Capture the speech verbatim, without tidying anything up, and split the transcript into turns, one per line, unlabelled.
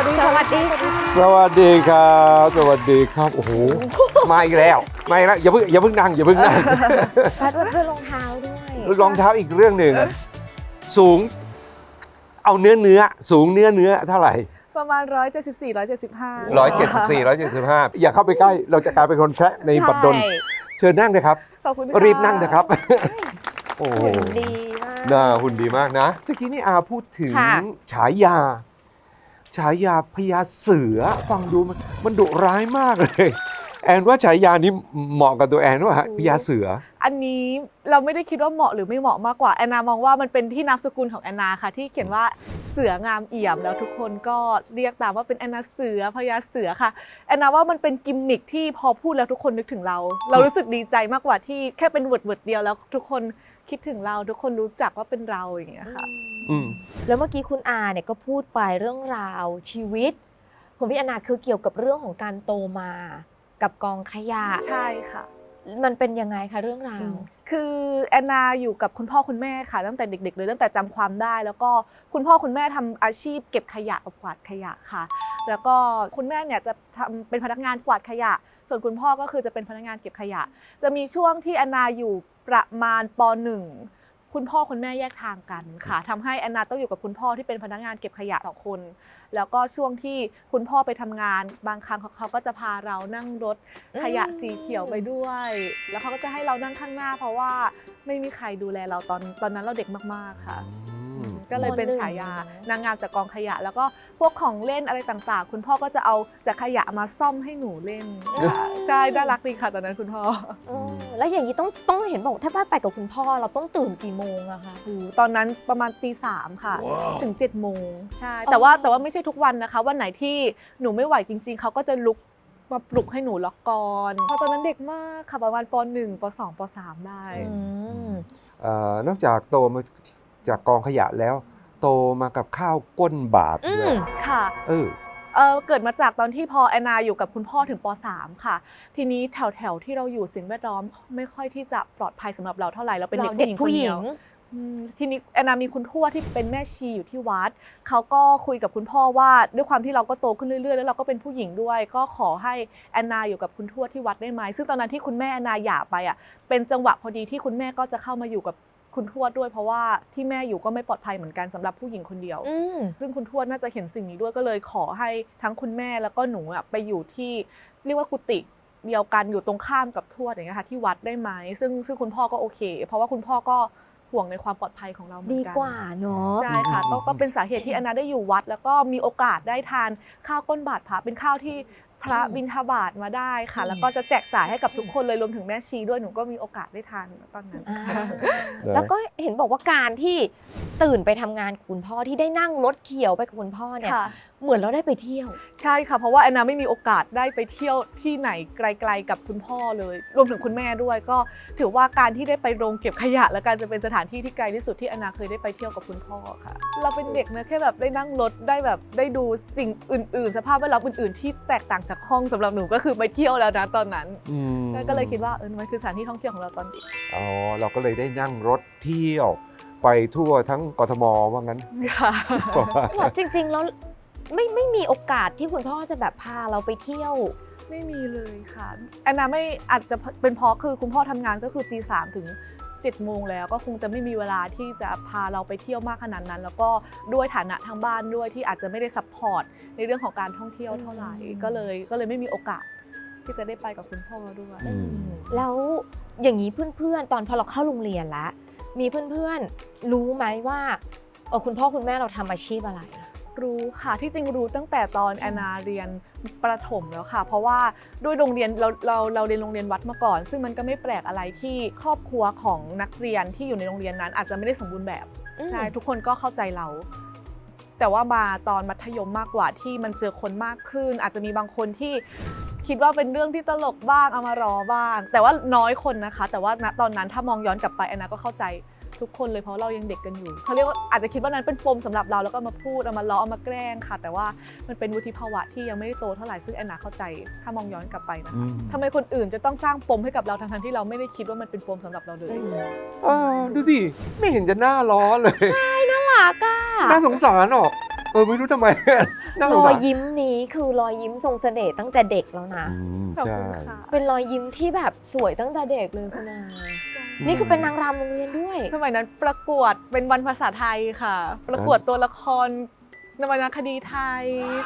ดีสวัสดี
สวัสดีครับสวัสดีครับโอ้โหมาอีกแล้วมาอีกแล้วอย่าเพิ่งอย่าเพิ่งนั่งอย่าเพิ่งนั่ง
พัดว่าเพื่อนรองเท้าด้วย
รองเท้าอีกเรื่องหนึ่งสูงเอาเนื้อเนื้อสูงเนื้อเนื้อเท่าไหร่
ประมาณร้อยเจ็ดสิบสี่ร้อยเจ็ดสิบห้า
ร้อยเจ็ดสิบสี่ร้อยเจ็ดสิบห้าอย่าเข้าไปใกล้เราจะกลายเป็นคนแชะในบัดดลเชิญนั่งเลยครับ
ขอบคุณ
รีบนั่งนะครับโอ้โห
หุ่นดีมาก
น่าหุ่นดีมากนะเมื่อกี้นี่อาพูดถึง
ค่ะ
ฉายา ฉายาพญาเสือฟังดูมันมันดุร้ายมากเลยแอนว่าฉายานี้เหมาะกับตัวแอนว่าพญาเสือ
อันนี้เราไม่ได้คิดว่าเหมาะหรือไม่เหมาะมากกว่าแอนนามองว่ามันเป็นที่นามสกุลของแอนนาค่ะที่เขียนว่าเสืองามเอี่ยมแล้วทุกคนก็เรียกตามว่าเป็นแอนนาเสือพญาเสือค่ะแอนนาว่ามันเป็นกิมมิคที่พอพูดแล้วทุกคนนึกถึงเรา เรารู้สึกดีใจมากกว่าที่แค่เป็นเวิร์ดเวิร์ดเดียวแล้วทุกคนคิดถึงเราทุกคนรู้จักว่าเป็นเราอย่างเงี้ยค่ะ
อืม
แล้วเมื่อกี้คุณอาเนี่ยก็พูดไปเรื่องราวชีวิตของพี่แอนนาคือเกี่ยวกับเรื่องของการโตมากับกองขยะ
ใช่ค่ะ
มันเป็นยังไงคะเรื่องราว
คือแอนนาอยู่กับคุณพ่อคุณแม่ค่ะตั้งแต่เด็กๆเลยตั้งแต่จำความได้ แล้วก็คุณพ่อคุณแม่ทำอาชีพเก็บขยะกับกวาดขยะค่ะ แล้วก็คุณแม่เนี่ยจะทำเป็นพนักงานกวาดขยะ ส่วนคุณพ่อก็คือจะเป็นพนักงานเก็บขยะ จะมีช่วงที่แอนนาอยู่ประมาณป หนึ่งคุณพ่อคุณแม่แยกทางกันค่ะทำให้แอนนาต้องอยู่กับคุณพ่อที่เป็นพนักงานเก็บขยะสองคน แล้วก็ช่วงที่คุณพ่อไปทำงานบางครั้งเขาก็จะพาเรานั่งรถขยะสีเขียวไปด้วย แล้วเขาก็จะให้เรานั่งข้างหน้า เพราะว่าไม่มีใครดูแลเราตอนตอนนั้นเราเด็กมากๆค่ะ ก็เลยเป็นฉายานางงามจากกองขยะ แล้วก็พวกของเล่นอะไรต่างๆ คุณพ่อก็จะเอาจากขยะมาซ่อมให้หนูเล่นใช่น่ารักดีค่ะตอนนั้นคุณพ่อ
เออแล้วอย่างนี้ต้องต้องเห็นบอกถ้าไปกับคุณพ่อเราต้องตื่นกี่โมงอะคะ
ตอนนั้นประมาณตีสามค่ะ ถึงเจ็ดโมงใช่แต่ว่าแต่ว่าไม่ใช่ทุกวันนะคะวันไหนที่หนูไม่ไหวจริงๆเขาก็จะลุกมาปลุกให้หนูล็อกกอนเพราะตอนนั้นเด็กมากค่ะประมาณป หนึ่ง ป สอง ป สาม ได้
อืม
เอ่อนอกจากโตมาจากกองขยะแล้ว โตมากับข้าวก้นบาทด้วย
อืม
ค่ะ
เออ
เออเกิดมาจากตอนที่พอแอนนาอยู่กับคุณพ่อถึงป สาม ค่ะ ทีนี้แถวแถวๆที่เราอยู่สิ่งแวดล้อมไม่ค่อยที่จะปลอดภัยสำหรับเราเท่าไหร่เราเป็นเด็ก
เราเด็ก
ผู้
ผู้
ห
ห
ญิ
ญิ
ง
ง
คนเดียวอืมทีนี้แอนนามีคุณทวดที่เป็นแม่ชีอยู่ที่วัดเขาก็คุยกับคุณพ่อว่าด้วยความที่เราก็โตขึ้นเรื่อยๆแล้วเราก็เป็นผู้หญิงด้วย ก็ขอให้แอนนาอยู่กับคุณทวดที่วัดได้ไหมซึ่งตอนนั้นที่คุณแม่แอนนาหย่าไปอ่ะเป็นจังหวะพอดีที่คุณแม่ก็จะเข้ามาอยู่กับคุณทวดด้วย เพราะว่าที่แม่อยู่ก็ไม่ปลอดภัยเหมือนกันสำหรับผู้หญิงคนเดียว
อืม
ซึ่งคุณทวดน่าจะเห็นสิ่งนี้ด้วยก็เลยขอให้ทั้งคุณแม่แล้วก็หนูอะไปอยู่ที่เรียกว่ากุฏิเดียวกันอยู่ตรงข้ามกับทวดอย่างเงี้ยค่ะที่วัดได้ไหมซึ่งซึ่งคุณพ่อก็โอเค เพราะว่าคุณพ่อก็ห่วงในความปลอดภัยของเราเหมือน
ดี
กัน
กว่าเนาะ
ใช่ค่ะก็ก็เป็นสาเหตุที่แอนนาได้อยู่วัด แล้วก็มีโอกาสได้ทานข้าวก้นบาตรพระเป็นข้าวที่พระ
อืม
บิณฑบาตมาได้ค่ะ
อืม
แล้วก็จะแจกจ่ายให้กับทุกคนเลยรวมถึงแม่ชีด้วยหนูก็มีโอกาสได้ทานตอนนั้น
อ่าแล้วก็เห็นบอกว่าการที่ตื่นไปทำงานกับคุณพ่อที่ได้นั่งรถเขียวไปกับคุณพ่อเนี่ย
ค่ะ
เหมือนเราได้ไปเที่ยว
ใช่ค่ะเพราะว่าแอนนาไม่มีโอกาสได้ไปเที่ยวที่ไหนไกลๆกับคุณพ่อเลย รวมถึงคุณแม่ด้วยก็ถือว่าการที่ได้ไปโรงเก็บขยะ และการจะเป็นสถานที่ที่ไกลที่สุดที่แอนนาเคยได้ไปเที่ยวกับคุณพ่อค่ะ เราเป็นเด็กนะแค่แบบได้นั่งรถได้แบบได้ดูสิ่งอื่นๆ สภาพแวดล้อมอื่นๆที่แตกต่างจากห้องสำหรับหนูก็คือไปเที่ยวแล้วนะตอนนั้น
อืม
ก็เลยคิดว่าเออมันคือสถานที่ท่องเที่ยวของเราตอนเด็ก
อ๋อเราก็เลยได้นั่งรถเที่ยวไปทั่วทั้งกทมว่างั้น
ค่ะ
บอกจริงๆแล้วไม่ไม่มีโอกาสที่คุณพ่อจะแบบพาเราไปเที่ยว
ไม่มีเลยค่ะแอนนาไม่อาจจะเป็นเพราะคือคุณพ่อทำงานก็คือตีสามถึงเจ็ดโมงแล้วก็คงจะไม่มีเวลาที่จะพาเราไปเที่ยวมากขนาดนั้น แล้วก็ด้วยฐานะทางบ้านด้วยที่อาจจะไม่ได้ซัพพอร์ตในเรื่องของการท่องเที่ยวเท่าไหร่
อืม
ก็เลยก็เลยไม่มีโอกาสที่จะได้ไปกับคุณพ่อด้วย
อืม
แล้วอย่างนี้เพื่อนๆ ตอนพอเราเข้าโรงเรียนแล้วมีเพื่อนๆ รู้ไหมว่าเออคุณพ่อคุณแม่เราทำอาชีพอะไร
รู้ค่ะที่จริงรู้ตั้งแต่ตอนแอนนาเรียนประถมแล้วค่ะ เพราะว่าด้วยโรงเรียนเราเราเราเรียนโรงเรียนวัดมาก่อน ซึ่งมันก็ไม่แปลกอะไรที่ครอบครัวของนักเรียนที่อยู่ในโรงเรียนนั้น อาจจะไม่ได้สมบูรณ์แบบ
อืม
ใช่ทุกคนก็เข้าใจเรา แต่ว่ามาตอนมัธยมมากกว่าที่มันเจอคนมากขึ้น อาจจะมีบางคนที่คิดว่าเป็นเรื่องที่ตลกบ้างเอามารอบ้าง แต่ว่าน้อยคนนะคะ แต่ว่าณตอนนั้นถ้ามองย้อนกลับไปแอนนาก็เข้าใจทุกคนเลยเพราะเรายังเด็กกันอยู่เขาเรียกว่าอาจจะคิดว่านั้นเป็นปมสำหรับเราแล้วก็มาพูดเอามาล้อเอามาแกล้งค่ะ แต่ว่ามันเป็นวุฒิภาวะที่ยังไม่ได้โตเท่าไหร่ซึ่งแอนนาเข้าใจถ้ามองย้อนกลับไปนะ
อื
คะ
ม
ทำไมคนอื่นจะต้องสร้างปมให้กับเราทั้งๆที่เราไม่ได้คิดว่ามันเป็นปมสำหรับเราเลย
เออดูสิไม่เห็นจะน่าล้อเลย
น่ารักอ่ะ
น่าสงสารหรอกเออไม่รู้ทำไมน่าส
รง อ
สาย ร
ยิ้มนี้คือรอยยิ้มทรงเสน่ห์ตั้งแต่เด็กแล้วนะ
อืม
ขอบ
ใช่
คุณค่ะ
เป็นรอยยิ้มที่แบบสวยตั้งแต่เด็กเลยคุณอานี่คือเป็นนางรำโรงเรียนด้วย
สมัยนั้นประกวดเป็นวันภาษาไทยค่ะ ประกวดตัวละคร นวรรณคดีไทย